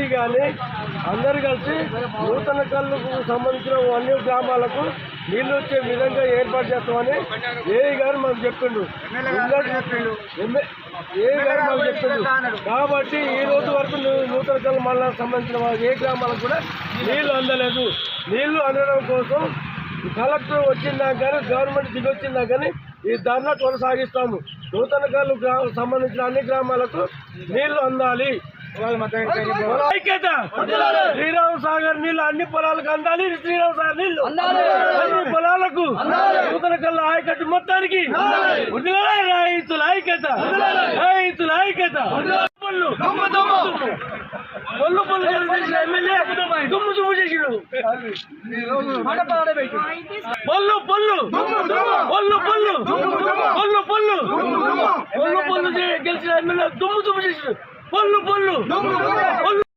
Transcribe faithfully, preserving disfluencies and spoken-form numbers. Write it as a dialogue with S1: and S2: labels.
S1: కానీ అందరు కలిసి నూతన కళ్ళకు సంబంధించిన అన్ని గ్రామాలకు నీళ్ళు వచ్చే విధంగా ఏర్పాటు చేస్తామని ఏఈ గారు మాకు చెప్పిండు ఏఈ గారు మాకు చెప్పిండు కాబట్టి ఈ రోజు వరకు నూతన కళ్ళు మండలానికి సంబంధించిన ఏ గ్రామాలకు కూడా నీళ్లు అందలేదు. నీళ్లు అందడం కోసం కలెక్టర్ వచ్చిందా కానీ గవర్నమెంట్ దిగొచ్చిందా కానీ ఈ ధర్నా కొనసాగిస్తాము. నూతన కళ్ళు సంబంధించిన అన్ని గ్రామాలకు నీళ్లు అందాలి. ఐక్యత శ్రీరామ్ సాగర్ నీళ్లు అన్ని పొలాలకు అందాలి. శ్రీరామ్ సాగర్ నీళ్లు అన్ని పొలాలకు నూతన కళ్ళ ఆయకట్టు మొత్తానికి రైతుల ఐక్యత రైతుల ఐక్యత పొల్లు పొల్లు పొల్లు చేసిన ఎమ్మెల్యే దుమ్ము దుమ్ము చేసిడు. పొల్లు పొల్లు పొల్లు పొల్లు పొల్లు పొల్లు పొల్లు పొల్లు గెలిచిన ఎమ్మెల్యే దుమ్ము దుమ్ము చేసిడు. పొల్లు పొల్లు పొల్లు